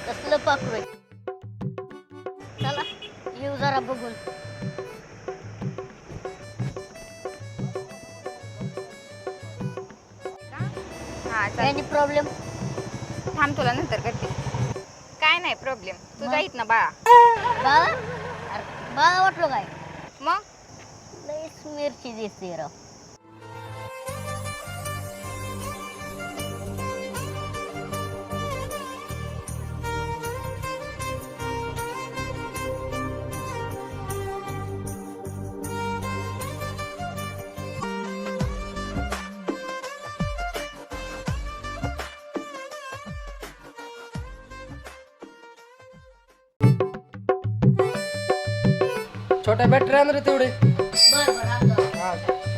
कसलं पाखरू आहे. चला येऊ जरा बघून. हा काही चालेल. प्रॉब्लेम? थांब तुला नंतर करते. काय नाही प्रॉब्लेम. तू जाईत ना बाळा. बाळा? अरे बाळा वाटलो काय? मग लईच मिरची दिसते राव. छोट्या बॅटरी आण रे तेवढे. बर बर आणतो. हा.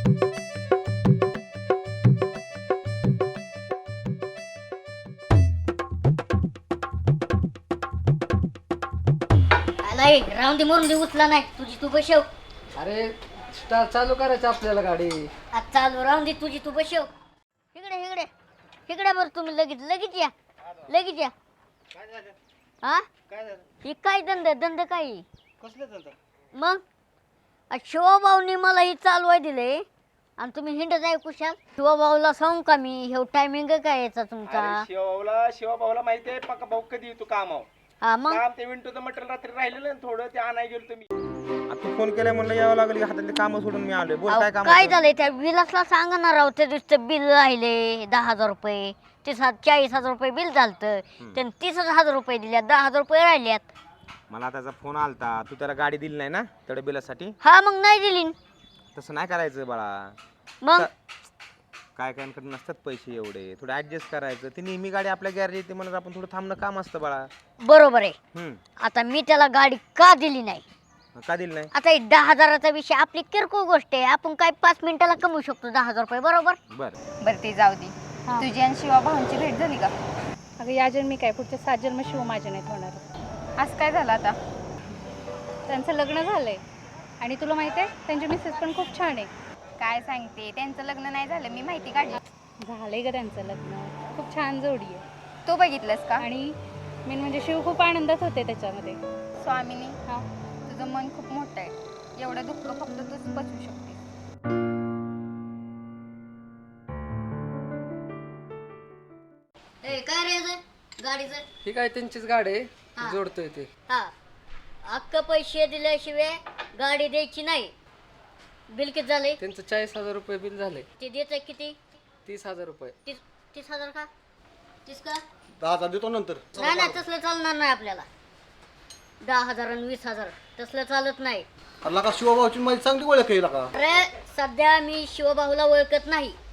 नाही राहून दे मरून दे उचला नाही तुझी तू बसव. अरे स्टार्ट चालू करायचं आपल्याला गाडी. आज चालू राहून दे तुझी तू बसव. इकडे इकडे इकडे बरं तुम्ही लगेच लगेच या लगेच या. हा ही काय धंदा काय मग शिवभाऊनी मला ही चालवाय दिले आणि तुम्ही हिंडत आहे कुशाल. शिवभाऊला सांगू का मी हे टायमिंग काय याचा तुमचा. शिवभाऊला माहिती आहे पक्का भाऊ कधी येतो कामावर. हा मग काम ते विंटूचं मटेरियल रात्री राहिलेलं ना थोडं ते आणाय गेलो तुम्ही. तू फोन केलाय म्हणलं यावं लागेल हातातले काम सोडून मी आलोय. बोल काय काम काय झालंय त्या विलासला सांगा ना राव. त्या दिवशी बिल राहिले 10,000 रुपये. 40,000 रुपये बिल झालतं त्याने 30,000 रुपये दिल्यात 10,000 रुपये राहिल्यात. मला त्याचा फोन आलता तू त्याला गाडी दिली नाही ना तेवढ्या बिलासाठी. हा मग नाही दिली. तसं नाही करायचं बाळा. मग काय काय नसतात पैसे एवढे थोडं ऍडजस्ट करायचं. ती नेहमी गाडी आपल्या गॅरेज येते म्हणून आपण थोडं थांबणं काम असतं बाळा. बरोबर आहे. आता मी त्याला गाडी का दिली नाही. का दिली नाही. आता 10,000चा विषय आपली किरकोळ गोष्ट आहे. आपण काय 5 मिनिटाला कमवू शकतो 10,000 रुपये बरोबर. बरं ते जाऊ दे. तुझी आणि शिवा भाऊंची भेट झाली का. अगं या जन्मी काय पुढच्या 7 जन्म शिव माझ्या नाहीत होणार. आज काय झालं आता. त्यांचं लग्न झालंय आणि तुला माहित आहे त्यांची मिसेस पण खूप छान आहे. काय सांगते त्यांचं लग्न नाही झालं मी माहिती काढली. झालंय ग त्यांचं लग्न. खूप छान जोडी आहे. तू बघितलंस का. आणि मेन म्हणजे शिव खूप आनंदात होते त्याच्यामध्ये. स्वामिनी हा तुझं मन खूप मोठं आहे. एवढं दुःख फक्त तूच बसू शकते. काय रे गाडीचं. ही काय त्यांचीच गाडी आहे. हा. जोडतोय ते. हा अख्ख पैसे दिल्याशिवाय गाडी द्यायची नाही. बिल किती झाले. त्यांचं 40,000 रुपये बिल झाले. ते देत किती. 30,000 रुपये. 30,000 का 30 का. 10,000 देतो नंतर. नाही नाही तसलं चालणार नाही आपल्याला. 10,000 आणि 20,000 तसलं चालत नाही. शिवभाऊची माझी चांगली ओळख आहे. अरे सध्या मी शिवभाऊला ओळखत नाही.